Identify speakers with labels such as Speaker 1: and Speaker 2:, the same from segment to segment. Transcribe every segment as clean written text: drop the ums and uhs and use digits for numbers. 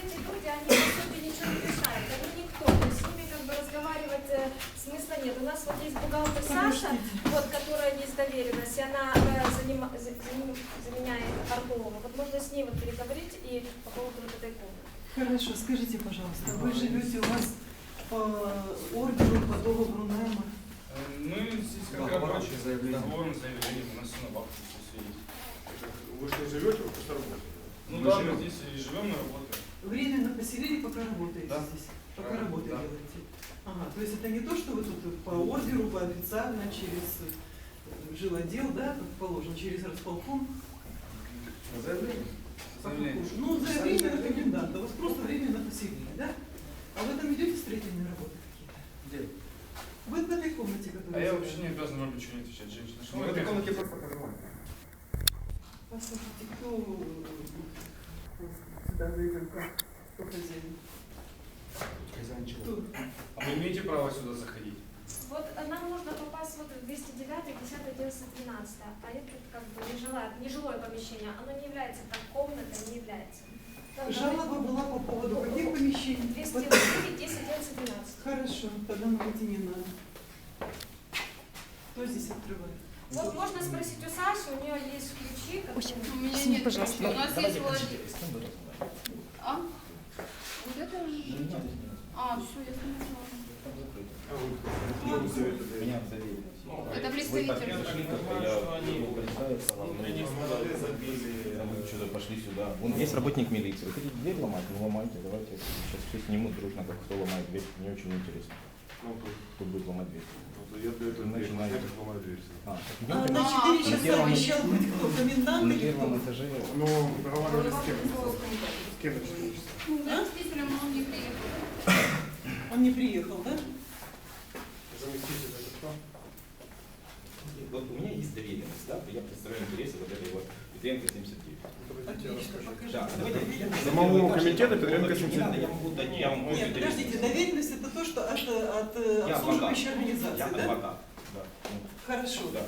Speaker 1: эти люди, они по сути ничего не решают, они никто, то есть с ними как бы разговаривать смысла нет. У нас вот есть бухгалтер Саша, вот, которая есть доверенность, и она заменяет Орлова. Вот можно с ней вот переговорить и по поводу вот этой комнаты.
Speaker 2: Хорошо, скажите, пожалуйста, вы живете у вас по ордеру, по договору найма?
Speaker 3: Мы здесь как рабочие, договором заявление, у нас все на бабке все есть.
Speaker 4: Вы что, живете, вы просто работаете?
Speaker 3: Ну да, мы здесь и живем, и работаем.
Speaker 2: Временно поселили, пока работаете
Speaker 3: Да.
Speaker 2: здесь? Пока работу
Speaker 3: Да.
Speaker 2: делаете? Ага, то есть это не то, что вы тут по ордеру, по официально, через жилотдел, да, как положено, через располком?
Speaker 3: Заявление? Заявление.
Speaker 2: Ну, заявление на коменданта, вас просто временно поселили, да? А вы там идете строительные работы какие-то?
Speaker 3: Где?
Speaker 2: Вы в этой комнате, которая...
Speaker 3: А я вообще не обязан вам ничего не отвечать, женщина. Что
Speaker 4: Ну,
Speaker 3: вы
Speaker 4: в этой
Speaker 3: опять?
Speaker 4: комнате просто проживаем.
Speaker 2: Послушайте, кто сюда зайдет, кто хозяин?
Speaker 4: Хозяин чего?
Speaker 2: Кто?
Speaker 3: А вы имеете право сюда заходить?
Speaker 1: Вот нам можно попасть вот в 209, 10, 11, 12, а это как бы нежилое помещение, оно не является так комнатой, не является. Там
Speaker 2: Жалоба была по поводу каких помещений?
Speaker 1: 209, 10, 11, 12.
Speaker 2: Хорошо, тогда нам идти не надо. Кто здесь открывает?
Speaker 1: Вот можно спросить у Саши, у нее есть ключи.
Speaker 5: У меня нет ключей. У нас есть владелец. А? Вот это? А, все, я поняла.
Speaker 6: Меня доверили.
Speaker 5: Это представитель.
Speaker 6: Мы что-то пошли сюда. Вон есть работник милиции. Вы хотите дверь ломать? Ну ломайте, давайте сейчас все снимут дружно, как кто ломает дверь. Мне очень интересно. Кто будет ломать дверь.
Speaker 4: Я даю эту дверь,
Speaker 6: Начинаем.
Speaker 4: я ломаю дверь.
Speaker 2: На 4 часа обещал быть кто? Комендант
Speaker 6: На
Speaker 2: или
Speaker 6: первом
Speaker 2: кто?
Speaker 6: этаже.
Speaker 4: Ну, договаривались с кем? С кем на 4 часа?
Speaker 5: Заместителем он не приехал.
Speaker 2: Он не приехал, да?
Speaker 4: Заместитель это кто?
Speaker 6: Вот у меня есть доверенность, да, я представляю интересы вот этой вот Петренко 79.
Speaker 2: Отлично, покажите.
Speaker 6: Да, давайте.
Speaker 4: Самому комитету Петренко
Speaker 6: Не надо,
Speaker 4: 79.
Speaker 6: я могу дать, я вам
Speaker 2: Нет, подождите, доверенность это то, что от
Speaker 6: Я
Speaker 2: обслуживающей
Speaker 6: адвокат.
Speaker 2: организации,
Speaker 6: Я
Speaker 2: да?
Speaker 6: адвокат. Да.
Speaker 2: Хорошо.
Speaker 6: Да.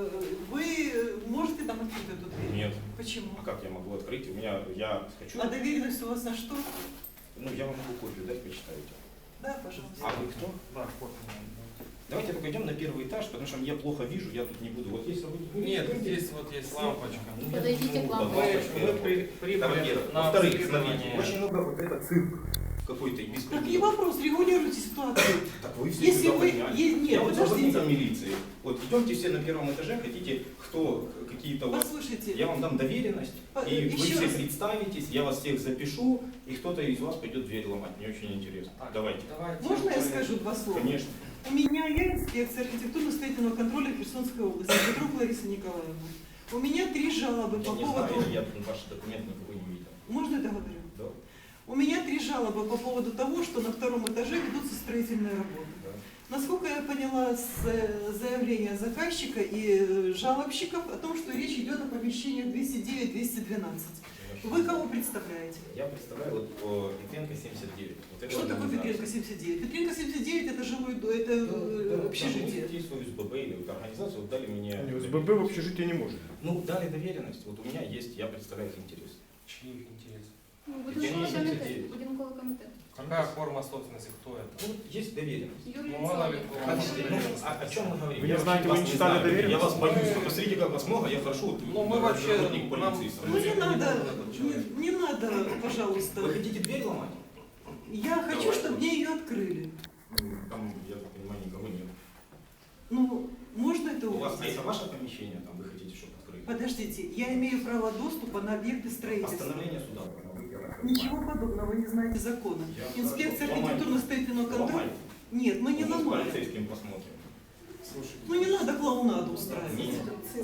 Speaker 2: Вы можете там открыть эту дверь?
Speaker 6: Нет.
Speaker 2: Почему?
Speaker 6: А как я могу открыть? У меня, я хочу,
Speaker 2: А доверенность у вас на что?
Speaker 6: ну я вам могу копию дать, почитаете.
Speaker 2: Да, пожалуйста.
Speaker 6: А вы кто?
Speaker 3: Да,
Speaker 6: Давайте только идем на первый этаж, потому что я плохо вижу, я тут не буду. Вот есть работник.
Speaker 3: Нет, здесь вот есть лампочка.
Speaker 6: Ну,
Speaker 5: Подойдите
Speaker 6: ну,
Speaker 5: к
Speaker 6: да,
Speaker 5: лампочке.
Speaker 3: Мы
Speaker 6: Это
Speaker 3: прибыли
Speaker 6: во-первых.
Speaker 3: на
Speaker 6: Во-вторых,
Speaker 3: обследование.
Speaker 6: смотрите, очень много вот это цирк какой-то и
Speaker 2: Так не
Speaker 6: беспредел.
Speaker 2: вопрос, регулируйте ситуацию.
Speaker 6: Так вы все
Speaker 2: Если
Speaker 6: сюда
Speaker 2: вы-
Speaker 6: подняли.
Speaker 2: нет,
Speaker 6: Я вот
Speaker 2: подождите.
Speaker 6: работником милиции. Вот идемте все на первом этаже, хотите, кто, какие-то у вас.
Speaker 2: Послушайте,
Speaker 6: Я вам дам доверенность, и вы
Speaker 2: еще
Speaker 6: все
Speaker 2: раз.
Speaker 6: представитесь, я вас всех запишу, и кто-то из вас пойдет дверь ломать. Мне очень интересно. Давайте.
Speaker 2: можно я скажу два слова?
Speaker 6: Конечно.
Speaker 2: У меня я инспекция архитектурно-строительного контроля Херсонской области, Петрук Лариса Николаевна. У меня 3 жалобы
Speaker 6: Я
Speaker 2: по
Speaker 6: не
Speaker 2: поводу...
Speaker 6: знаю, я тут ваш документ никакой не видел.
Speaker 2: Можно я договорю?
Speaker 6: Да.
Speaker 2: У меня 3 жалобы по поводу того, что на 2-м этаже ведутся строительные работы.
Speaker 6: Да.
Speaker 2: Насколько я поняла с заявления заказчика и жалобщиков о том, что речь идет о помещениях 209-212. Вы кого представляете?
Speaker 6: Я представляю вот Петренко 79. Вот это
Speaker 2: Что такое
Speaker 6: организация.
Speaker 2: Петренко 79? Петренко 79 это жилой дом,
Speaker 6: Да,
Speaker 2: это
Speaker 6: да,
Speaker 2: общежитие.
Speaker 6: там есть ОСББ или вот организация, вот дали мне...
Speaker 4: СББ в общежитии не может.
Speaker 6: Ну, дали доверенность, вот у меня есть, я представляю их интерес.
Speaker 3: Чьи их интересы?
Speaker 5: Ну,
Speaker 6: Я
Speaker 5: будинковий
Speaker 6: не
Speaker 5: комітет.
Speaker 6: сидів.
Speaker 5: Будинковий комітет.
Speaker 3: Какая форма собственности, кто это?
Speaker 6: Ну, вот есть доверенность.
Speaker 5: Юрій
Speaker 3: Ну, мало ли,
Speaker 5: Цолик.
Speaker 6: Подождите, ну, о чем мы говорим?
Speaker 4: Вы не
Speaker 6: Я
Speaker 4: знаете,
Speaker 6: вообще
Speaker 4: вы
Speaker 6: вас
Speaker 4: не читали
Speaker 6: знаю.
Speaker 4: доверенность?
Speaker 6: Я вас боюсь, вы посмотрите, как вас много, я хорошо, вот,
Speaker 3: Ну, мы вообще,
Speaker 6: работник полиции.
Speaker 3: нам-
Speaker 2: Ну не
Speaker 3: Это
Speaker 2: надо,
Speaker 3: не человек.
Speaker 2: не надо, пожалуйста.
Speaker 6: Вы хотите дверь ломать?
Speaker 2: Я хочу, чтобы мне ее открыли.
Speaker 6: Ну, там, я так понимаю, никого нет.
Speaker 2: Ну, можно это
Speaker 6: У вас, а
Speaker 2: увидеть?
Speaker 6: это ваше помещение, там вы хотите, чтобы открыли?
Speaker 2: Подождите, я имею право доступа на объекты строительства.
Speaker 6: Постановление суда.
Speaker 2: Ничего подобного, вы не знаете закона.
Speaker 6: Я
Speaker 2: Инспекция
Speaker 6: хорошо.
Speaker 2: архитектурно-строительного контроля...
Speaker 6: Ломайте.
Speaker 2: Нет, мы не
Speaker 6: Мы с
Speaker 2: ломаем.
Speaker 6: полицейским посмотрим.
Speaker 4: Слушайте.
Speaker 2: Ну не надо клоунаду устраивать.
Speaker 6: Нет.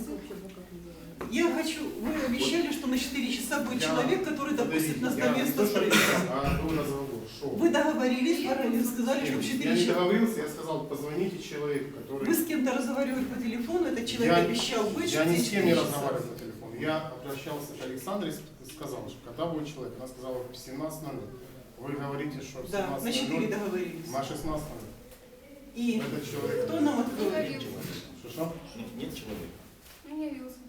Speaker 2: Я хочу, вы обещали, что на 4 часа будет человек, который допустит нас до
Speaker 4: Я не
Speaker 2: места
Speaker 4: то, что
Speaker 2: строительства.
Speaker 4: а вы разговор. Шо?
Speaker 2: Вы договорились, заранее сказали, что в
Speaker 4: Я
Speaker 2: 4
Speaker 4: не
Speaker 2: часа.
Speaker 4: договорился, я сказал, позвоните человеку, который...
Speaker 2: Вы с кем-то разговаривали по телефону, этот человек обещал быть,
Speaker 4: Я
Speaker 2: что
Speaker 4: ни
Speaker 2: в
Speaker 4: с кем не
Speaker 2: 4 часа.
Speaker 4: разговаривал по телефону. Я обращался к Александре и сказал, что когда будет человек, она сказала в 17:00. Вы говорите, что в
Speaker 2: Да, на 4
Speaker 4: 17:00,
Speaker 2: договорились.
Speaker 4: на 16:00.
Speaker 2: И
Speaker 4: Этот человек...
Speaker 2: кто нам
Speaker 5: Не
Speaker 2: откроет?
Speaker 5: явился.
Speaker 4: Что?
Speaker 6: Нет человека.
Speaker 5: Не явился.